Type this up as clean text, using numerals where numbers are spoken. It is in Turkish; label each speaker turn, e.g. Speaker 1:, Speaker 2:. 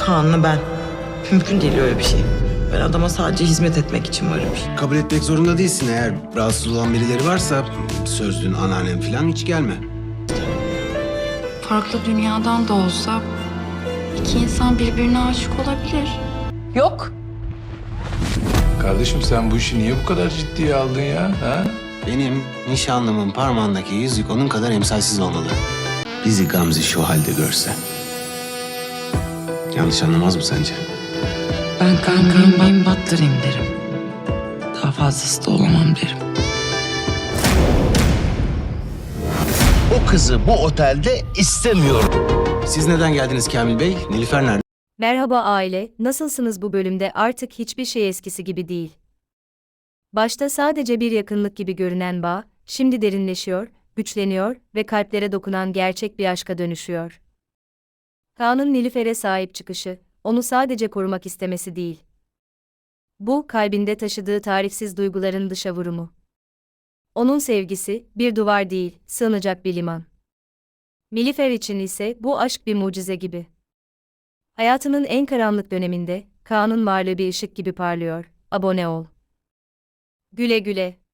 Speaker 1: Kaan'la ben. Mümkün değil öyle bir şey. Ben adama sadece hizmet etmek için varım.
Speaker 2: Kabul etmek zorunda değilsin. Eğer rahatsız olan birileri varsa sözlün, anneannem falan hiç gelme.
Speaker 3: Farklı dünyadan da olsa iki insan birbirine aşık olabilir.
Speaker 1: Yok.
Speaker 4: Kardeşim sen bu işi niye bu kadar ciddiye aldın ya? Ha?
Speaker 2: Benim nişanlımın parmağındaki yüzük onun kadar emsalsiz olmalı. Bizi Gamze şu halde görse. Yanlış anlamaz mı sence?
Speaker 3: Ben kankayım battırayım derim. Daha fazlası da olamam derim.
Speaker 5: O kızı bu otelde istemiyorum.
Speaker 2: Siz neden geldiniz Kamil Bey? Nilüfer nerede?
Speaker 6: Merhaba aile, nasılsınız bu bölümde artık hiçbir şey eskisi gibi değil. Başta sadece bir yakınlık gibi görünen bağ, şimdi derinleşiyor, güçleniyor ve kalplere dokunan gerçek bir aşka dönüşüyor. Kaan'ın Nilüfer'e sahip çıkışı, onu sadece korumak istemesi değil. Bu, kalbinde taşıdığı tarifsiz duyguların dışa vurumu. Onun sevgisi, bir duvar değil, sığınacak bir liman. Nilüfer için ise bu aşk bir mucize gibi. Hayatının en karanlık döneminde, Kaan'ın varlığı bir ışık gibi parlıyor. Abone ol. Güle güle.